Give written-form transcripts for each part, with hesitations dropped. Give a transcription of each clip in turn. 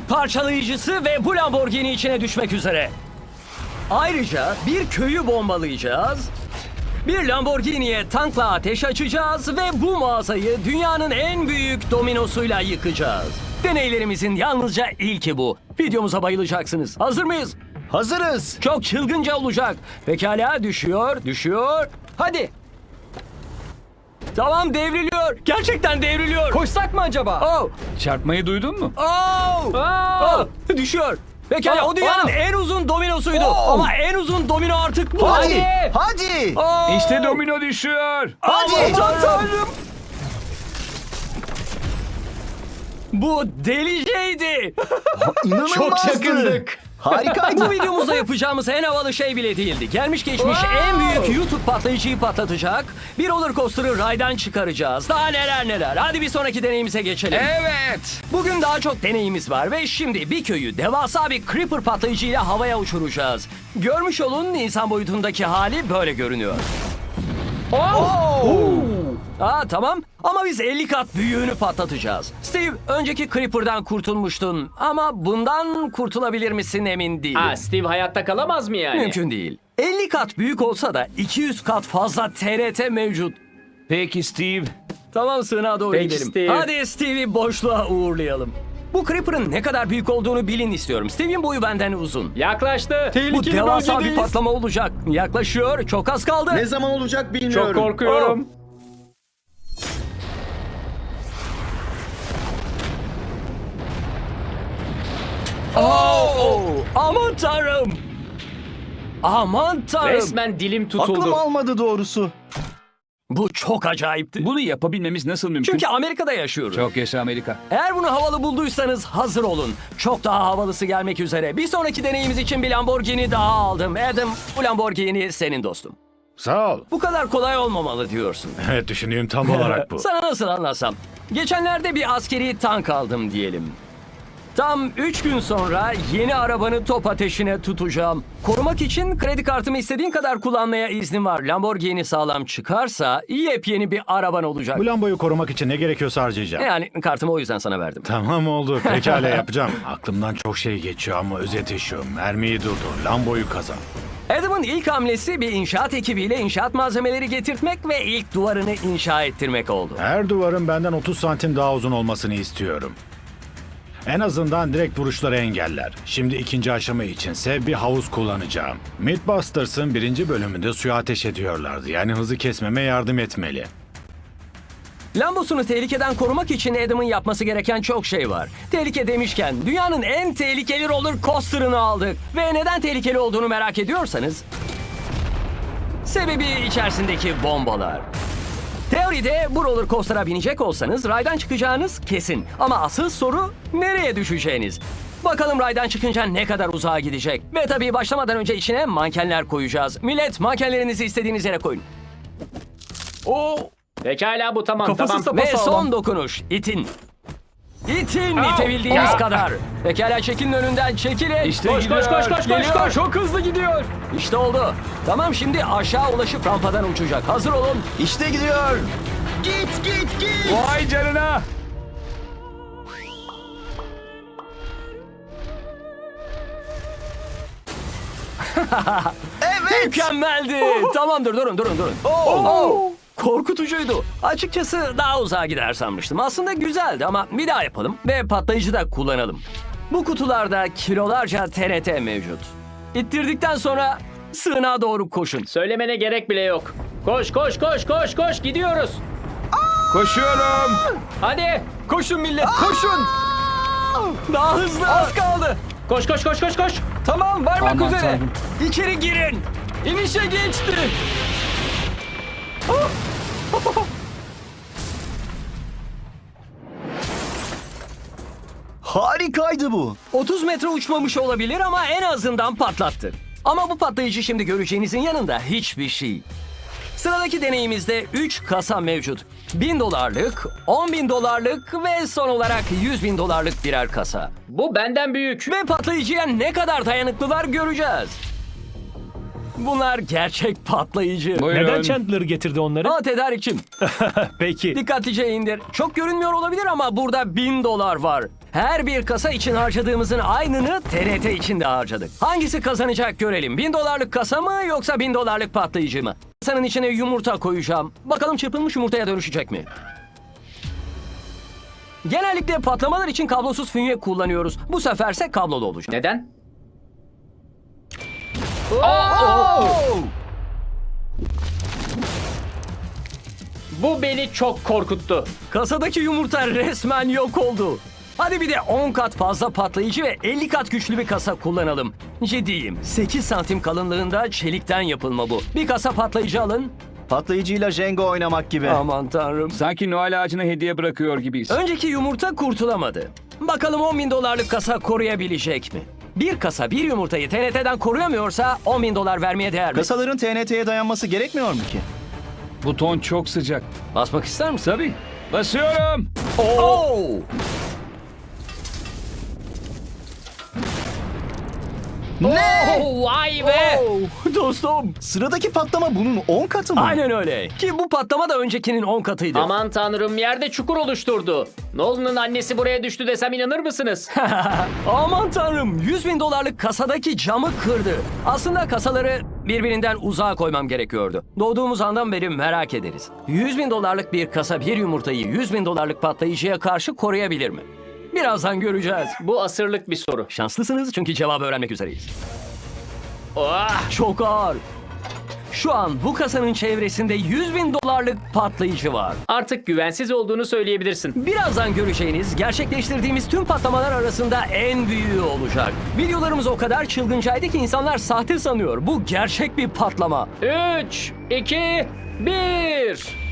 büyük parçalayıcısı ve bu Lamborghini içine düşmek üzere. Ayrıca bir köyü bombalayacağız. Bir Lamborghini'ye tankla ateş açacağız ve bu mağazayı dünyanın en büyük dominosuyla yıkacağız. Deneylerimizin yalnızca ilki bu. Videomuza bayılacaksınız. Hazır mıyız? Hazırız. Çok çılgınca olacak. Pekala, düşüyor. Hadi. Tamam, devriliyor. Gerçekten devriliyor. Koşsak mı acaba? Oh, Çarpmayı duydun mu? oh, oh. Düşüyor. Pekala, o dünyanın en uzun dominosuydu. Oh. Ama en uzun domino artık bu. Hadi. Hadi. Oh. İşte domino düşüyor. Hadi. Aman tanrım. Bu deliceydi. İnanılmazdı. Çok yakındık. Harikaydı. Bu videomuzda yapacağımız en havalı şey bile değildi. Gelmiş geçmiş en büyük YouTube patlayıcıyı patlatacak. Bir roller coaster'ı raydan çıkaracağız. Daha neler. Hadi bir sonraki deneyimize geçelim. Evet. Bugün daha çok deneyimiz var ve şimdi bir köyü devasa bir creeper patlayıcıyla havaya uçuracağız. Görmüş olun, insan boyutundaki hali böyle görünüyor. Tamam ama biz 50 kat büyüğünü patlatacağız. Steve, önceki Creeper'dan kurtulmuştun ama bundan kurtulabilir misin emin değilim. Steve hayatta kalamaz mı yani? Mümkün değil. 50 kat büyük olsa da 200 kat fazla TRT mevcut. Peki Steve. Tamam, sığınağa doğru Peki gidelim. Steve. Hadi Steve'i boşluğa uğurlayalım. Bu Creeper'ın ne kadar büyük olduğunu bilin istiyorum. Steve'in boyu benden uzun. Yaklaştı. Bu devasa bir patlama olacak. Yaklaşıyor. Çok az kaldı. Ne zaman olacak bilmiyorum. Çok korkuyorum. Aman tanrım. Aman tanrım. Resmen dilim tutuldu. Aklım almadı doğrusu. Bu çok acayipti. Bunu yapabilmemiz nasıl mümkün? Çünkü Amerika'da yaşıyoruz. Çok yaşa Amerika. Eğer bunu havalı bulduysanız hazır olun. Çok daha havalısı gelmek üzere. Bir sonraki deneyimiz için bir Lamborghini daha aldım. Adam, bu Lamborghini senin dostum. Sağ ol. Bu kadar kolay olmamalı diyorsun. Evet, düşündüğüm tam olarak bu. Sana nasıl anlatsam? Geçenlerde bir askeri tank aldım diyelim. Tam 3 gün sonra yeni arabanı top ateşine tutacağım. Korumak için kredi kartımı istediğin kadar kullanmaya iznim var. Lamborghini sağlam çıkarsa yepyeni bir araban olacak. Bu lambayı korumak için ne gerekiyorsa harcayacağım. Yani kartımı o yüzden sana verdim. Tamam oldu. Pekala yapacağım. Aklımdan çok şey geçiyor ama özeti şu. Mermiyi durdur. Lamboyu kazan. Adam'ın ilk hamlesi bir inşaat ekibiyle inşaat malzemeleri getirtmek ve ilk duvarını inşa ettirmek oldu. Her duvarın benden 30 santim daha uzun olmasını istiyorum. En azından direkt vuruşları engeller. Şimdi ikinci aşama içinse bir havuz kullanacağım. Mythbusters'ın 1. bölümünde suya ateş ediyorlardı. Yani hızı kesmeme yardım etmeli. Lambosunu tehlikeden korumak için Adam'ın yapması gereken çok şey var. Tehlike demişken dünyanın en tehlikeli roller coaster'ını aldık. Ve neden tehlikeli olduğunu merak ediyorsanız... Sebebi içerisindeki bombalar. Teoride bu roller coaster'a binecek olsanız raydan çıkacağınız kesin. Ama asıl soru nereye düşeceğiniz. Bakalım raydan çıkınca ne kadar uzağa gidecek. Ve tabii başlamadan önce içine mankenler koyacağız. Millet, mankenlerinizi istediğiniz yere koyun. Pekala, bu tamam. Kafası tamam. Ve son dokunuş. İtin. İtin itebildiğiniz kadar. Pekala, çekilin önünden, çekilin. İşte Koş koş koş koş koş Geliyor. koş. Çok hızlı gidiyor. İşte oldu. Tamam, şimdi aşağı ulaşıp rampadan uçacak. Hazır olun. İşte gidiyor. Git. Vay canına. Evet. Mükemmeldi. Tamamdır, durun. Oh. Korkutucuydu. Açıkçası daha uzağa gider sanmıştım. Aslında güzeldi ama bir daha yapalım ve patlayıcı da kullanalım. Bu kutularda kilolarca TRT mevcut. İttirdikten sonra sığınağa doğru koşun. Söylemene gerek bile yok. Koş koş koş koş koş, gidiyoruz. Koşuyorum. Hadi. Koşun millet, koşun. Daha hızlı. Az kaldı. Koş koş koş koş koş. Tamam, varmak Aman üzere. tanrım. İçeri girin. İnişe geçti. Harikaydı bu. 30 metre uçmamış olabilir ama en azından patlattı. Ama bu patlayıcı şimdi göreceğinizin yanında hiçbir şey. Sıradaki deneyimizde 3 kasa mevcut. $1000'lık, $10.000'lık ve son olarak $100.000'lık birer kasa. Bu benden büyük. Ve patlayıcıya ne kadar dayanıklılar göreceğiz. Bunlar gerçek patlayıcı. Buyurun. Neden Chandler getirdi onları? Aa, tedarikçim. Peki. Dikkatlice indir. Çok görünmüyor olabilir ama burada $1000 var. Her bir kasa için harcadığımızın aynını TRT için de harcadık. Hangisi kazanacak görelim. $1000'lık kasa mı yoksa $1000'lık patlayıcı mı? Kasanın içine yumurta koyacağım. Bakalım çırpılmış yumurtaya dönüşecek mi? Genellikle patlamalar için kablosuz fünye kullanıyoruz. Bu seferse kablolu olacak. Neden? Bu beni çok korkuttu. Kasadaki yumurta resmen yok oldu. Hadi bir de 10 kat fazla patlayıcı ve 50 kat güçlü bir kasa kullanalım. Ciddiyim. 8 santim kalınlığında çelikten yapılma bu. Bir kasa patlayıcı alın. Patlayıcıyla Jenga oynamak gibi. Aman tanrım. Sanki Noel ağacına hediye bırakıyor gibiyiz. Önceki yumurta kurtulamadı. Bakalım $10.000 kasa koruyabilecek mi? Bir kasa bir yumurtayı TNT'den koruyamıyorsa $10.000 vermeye değer mi? Kasaların TNT'ye dayanması gerekmiyor mu ki? Buton çok sıcak. Basmak ister misin? Tabii. Basıyorum. Oo! Ne? Vay be! Dostum. Sıradaki patlama bunun 10 katı mı? Aynen öyle. Ki bu patlama da öncekinin 10 katıydı. Aman tanrım, yerde çukur oluşturdu. Nolan'ın annesi buraya düştü desem inanır mısınız? Aman tanrım, $100.000 kasadaki camı kırdı. Aslında kasaları birbirinden uzağa koymam gerekiyordu. Doğduğumuz andan beri merak ederiz. $100.000 bir kasa bir yumurtayı $100.000 patlayıcıya karşı koruyabilir mi? Birazdan göreceğiz. Bu asırlık bir soru. Şanslısınız çünkü cevabı öğrenmek üzereyiz. Ah! Çok ağır. Şu an bu kasanın çevresinde $100.000 patlayıcı var. Artık güvensiz olduğunu söyleyebilirsin. Birazdan göreceğiniz, gerçekleştirdiğimiz tüm patlamalar arasında en büyüğü olacak. Videolarımız o kadar çılgıncaydı ki insanlar sahte sanıyor. Bu gerçek bir patlama. 3, 2, 1.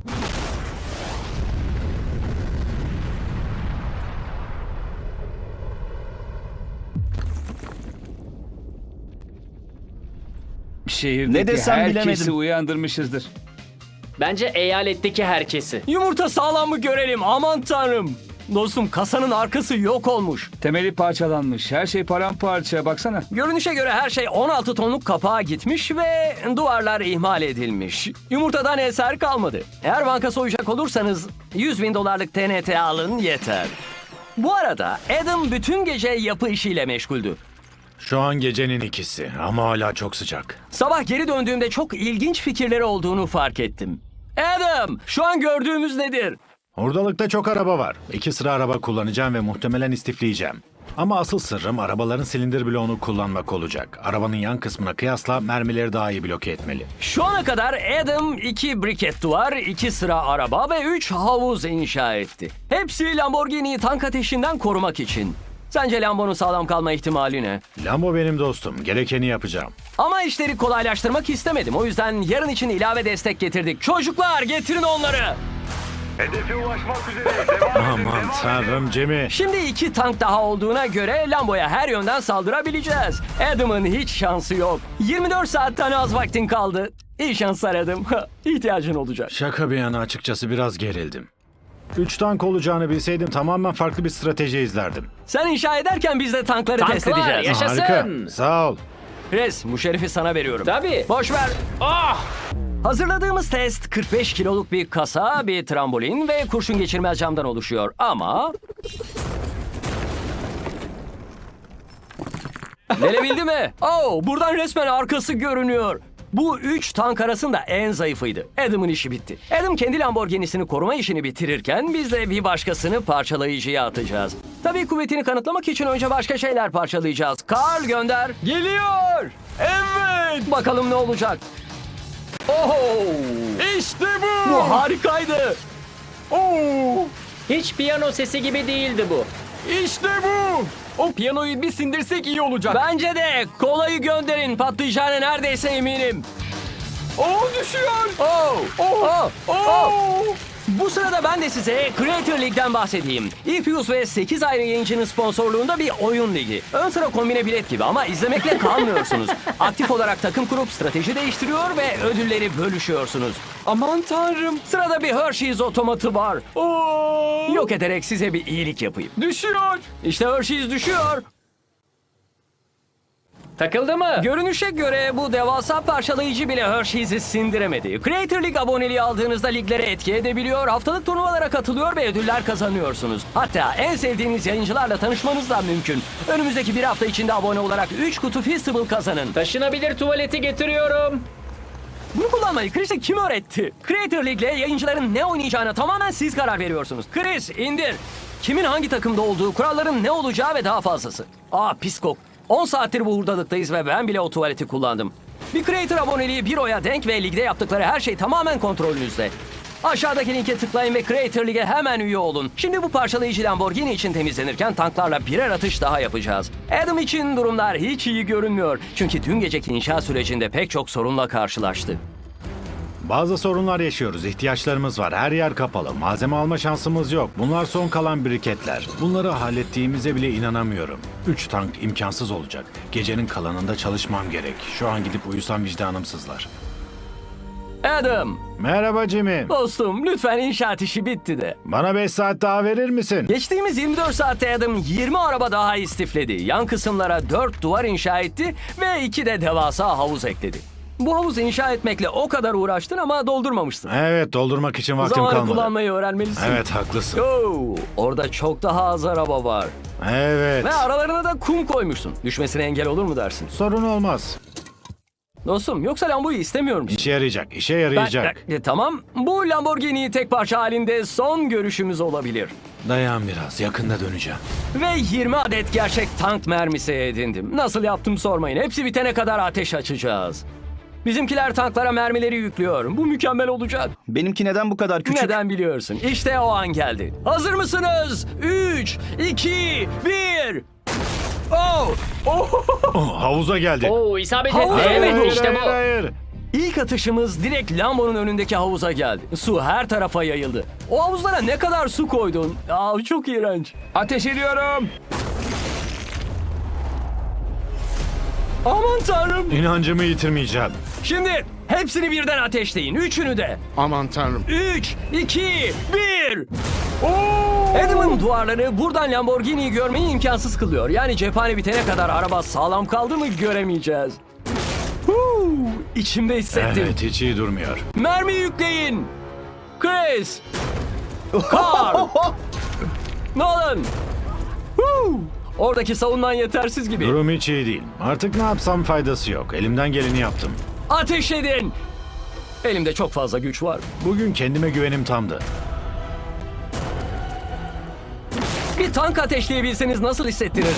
Şehirdeki Ne desem herkesi bilemedim. uyandırmışızdır. Bence eyaletteki herkesi. Yumurta sağlam mı görelim, aman tanrım. Dostum, kasanın arkası yok olmuş. Temeli parçalanmış. Her şey paramparça. Baksana. Görünüşe göre her şey 16 tonluk kapağa gitmiş ve duvarlar ihmal edilmiş. Yumurtadan eser kalmadı. Eğer banka soyacak olursanız $100.000 TNT alın yeter. Bu arada Adam bütün gece yapı işiyle meşguldü. Şu an gecenin 2'si ama hala çok sıcak. Sabah geri döndüğümde çok ilginç fikirleri olduğunu fark ettim. Adam, şu an gördüğümüz nedir? Ordalıkta çok araba var. 2 sıra araba kullanacağım ve muhtemelen istifleyeceğim. Ama asıl sırrım arabaların silindir bloğunu kullanmak olacak. Arabanın yan kısmına kıyasla mermileri daha iyi bloke etmeli. Şu ana kadar Adam 2 briket duvar, 2 sıra araba ve 3 havuz inşa etti. Hepsi Lamborghini'yi tank ateşinden korumak için. Sence Lambo'nun sağlam kalma ihtimali ne? Lambo benim dostum. Gerekeni yapacağım. Ama işleri kolaylaştırmak istemedim. O yüzden yarın için ilave destek getirdik. Çocuklar, getirin onları. Hedefe ulaşmak üzere. Devam edin, Aman devam edin. tanrım Jimmy. Şimdi 2 tank daha olduğuna göre Lambo'ya her yönden saldırabileceğiz. Adam'ın hiç şansı yok. 24 saatten az vaktin kaldı. İyi şanslar Adam. İhtiyacın olacak. Şaka bir yana açıkçası biraz gerildim. 3 tank olacağını bilseydim tamamen farklı bir strateji izlerdim. Sen inşa ederken biz de tankları test Tanklar, edeceğiz. yaşasın. Harika. Sağ ol. Res, bu şerifi sana veriyorum. Tabii. Boş ver. Ah! Hazırladığımız test 45 kiloluk bir kasa, bir trambolin ve kurşun geçirmez camdan oluşuyor. Ama... Gelebildi mi? Oh, buradan resmen arkası görünüyor. Bu 3 tank arasında en zayıfıydı. Adam'ın işi bitti. Adam kendi Lamborghini'sini koruma işini bitirirken biz de bir başkasını parçalayıcıya atacağız. Tabii kuvvetini kanıtlamak için önce başka şeyler parçalayacağız. Karl gönder. Geliyor. Evet. Bakalım ne olacak. Oh! İşte bu! Bu harikaydı. Oh! Hiç piyano sesi gibi değildi bu. İşte bu! O piyanoyu bir sindirsek iyi olacak. Bence de. Kolayı gönderin. Patlayacağına neredeyse eminim. Düşüyor. Bu sırada ben de size Creator League'den bahsedeyim. Ifuse ve 8 ayrı yayıncının sponsorluğunda bir oyun ligi. Ön sıra kombine bilet gibi ama izlemekle kalmıyorsunuz. Aktif olarak takım kurup strateji değiştiriyor ve ödülleri bölüşüyorsunuz. Aman tanrım. Sırada bir Hershey's otomatı var. Yok ederek size bir iyilik yapayım. Düşüyor. İşte Hershey's düşüyor. Takıldı mı? Görünüşe göre bu devasa parçalayıcı bile Hershey's'i sindiremedi. Creator League aboneliği aldığınızda liglere etki edebiliyor, haftalık turnuvalara katılıyor ve ödüller kazanıyorsunuz. Hatta en sevdiğiniz yayıncılarla tanışmanız da mümkün. Önümüzdeki bir hafta içinde abone olarak 3 kutu Feastable kazanın. Taşınabilir tuvaleti getiriyorum. Bunu kullanmayı Chris'e kim öğretti? Creator League'le yayıncıların ne oynayacağına tamamen siz karar veriyorsunuz. Chris indir. Kimin hangi takımda olduğu, kuralların ne olacağı ve daha fazlası. Pis kok. 10 saattir bu hurdalıktayız ve ben bile o tuvaleti kullandım. Bir Creator aboneliği 1 oya denk ve ligde yaptıkları her şey tamamen kontrolünüzde. Aşağıdaki linke tıklayın ve Creator League'e hemen üye olun. Şimdi bu parçalayıcı Lamborghini için temizlenirken tanklarla birer atış daha yapacağız. Adam için durumlar hiç iyi görünmüyor. Çünkü dün geceki inşa sürecinde pek çok sorunla karşılaştı. Bazı sorunlar yaşıyoruz. İhtiyaçlarımız var. Her yer kapalı. Malzeme alma şansımız yok. Bunlar son kalan biriketler. Bunları hallettiğimize bile inanamıyorum. 3 tank imkansız olacak. Gecenin kalanında çalışmam gerek. Şu an gidip uyusam vicdanım sızlar. Adam, Merhaba Jimmy. dostum lütfen inşaat işi bitti de. Bana 5 saat daha verir misin? Geçtiğimiz 24 saatte Adam 20 araba daha istifledi. Yan kısımlara 4 duvar inşa etti ve 2 de devasa havuz ekledi. Bu havuzu inşa etmekle o kadar uğraştın ama doldurmamıştın. Evet, doldurmak için vaktim Zamanı kalmadı. kullanmayı öğrenmelisin. Evet, haklısın. Orada çok daha az araba var. Evet. Ve aralarına da kum koymuşsun. Düşmesine engel olur mu dersin? Sorun olmaz. Dostum yoksa Lambo'yu istemiyor musun? İşe yarayacak, işe yarayacak. Tamam. Bu Lamborghini tek parça halinde son görüşümüz olabilir. Dayan biraz, yakında döneceğim. Ve 20 adet gerçek tank mermisi edindim. Nasıl yaptım sormayın. Hepsi bitene kadar ateş açacağız. Bizimkiler tanklara mermileri yüklüyor. Bu mükemmel olacak. Benimki neden bu kadar küçük? Neden biliyorsun? İşte o an geldi. Hazır mısınız? 3, 2, 1. Havuza geldi. Oo, isabet Havuz etti. Evet, oldu. işte bu. Hayır. İlk atışımız direkt Lambo'nun önündeki havuza geldi. Su her tarafa yayıldı. O havuzlara ne kadar su koydun? Çok iğrenç. Ateş ediyorum. Aman tanrım. İnancımı yitirmeyeceğim. Şimdi hepsini birden ateşleyin. Üçünü de. Aman tanrım. 3, 2, 1. Adam'ın duvarları buradan Lamborghini'yi görmeyi imkansız kılıyor. Yani cephane bitene kadar araba sağlam kaldı mı göremeyeceğiz. İçimde hissettim. Evet, hiç iyi durmuyor. Mermi yükleyin. Chris. Carl. Nolan. Oradaki savunman yetersiz gibi. Durum hiç iyi değil. Artık ne yapsam faydası yok. Elimden geleni yaptım. Ateş edin. Elimde çok fazla güç var. Bugün kendime güvenim tamdı. Bir tank ateşleyebilseniz nasıl hissettirirdi?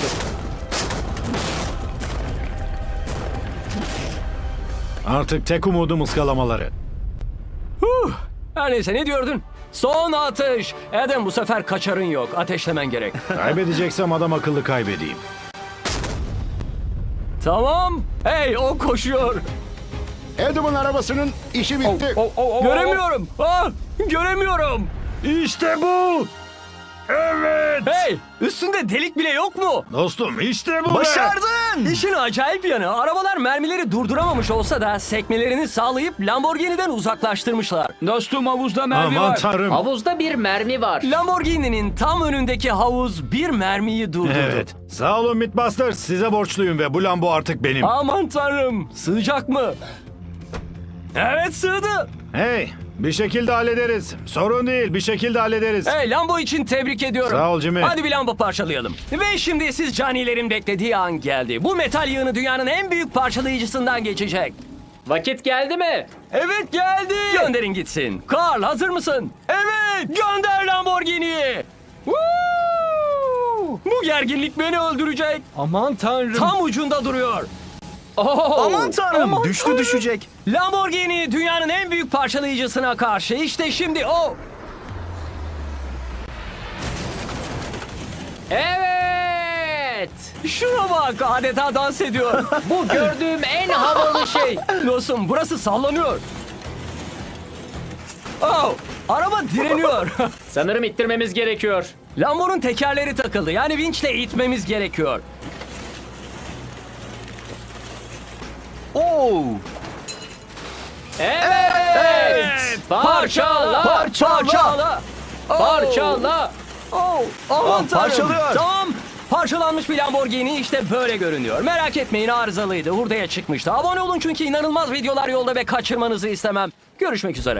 Artık tek umudum ıskalamaları. Her neyse ne diyordun? Son atış. Adam bu sefer kaçarın yok. Ateşlemen gerek. Kaybedeceksem adam akıllı kaybedeyim. Tamam. Hey o koşuyor. Adam'ın arabasının işi bitti. Göremiyorum. Göremiyorum. İşte bu! Evet! Hey üstünde delik bile yok mu? Dostum işte bu! Başardın! İşin acayip yanı arabalar mermileri durduramamış olsa da sekmelerini sağlayıp Lamborghini'den uzaklaştırmışlar. Dostum havuzda mermi Aman var. tanrım! Havuzda bir mermi var. Lamborghini'nin tam önündeki havuz bir mermiyi durdurdu. Evet. Sağ olun Mythbusters. Size borçluyum ve bu Lambo artık benim. Aman tanrım sığacak mı? Evet sığdı. Hey! Bir şekilde hallederiz. Sorun değil, bir şekilde hallederiz. Hey Lambo için tebrik ediyorum. Sağ ol Jimmy. Hadi bir Lambo parçalayalım. Ve şimdi siz canilerin beklediği an geldi. Bu metal yığını dünyanın en büyük parçalayıcısından geçecek. Vakit geldi mi? Evet geldi. Gönderin gitsin. Carl hazır mısın? Evet. Gönder Lamborghini'yi. Woo! Bu gerginlik beni öldürecek. Aman tanrım. Tam ucunda duruyor. Aman tanrım, Aman düştü tanrım. düşecek. Lamborghini dünyanın en büyük parçalayıcısına karşı. İşte şimdi o. Evet. Şuna bak adeta dans ediyor. Bu gördüğüm en havalı şey. Dostum burası sallanıyor. Araba direniyor. Sanırım ittirmemiz gerekiyor. Lambo'nun tekerleri takıldı. Yani vinçle itmemiz gerekiyor. Evet. Parçala. Parçala. Parçala. Aman tanrım. parçalıyor. Tamam. Parçalanmış bir Lamborghini işte böyle görünüyor. Merak etmeyin, arızalıydı. Hurdaya çıkmıştı. Abone olun çünkü inanılmaz videolar yolda ve kaçırmanızı istemem. Görüşmek üzere.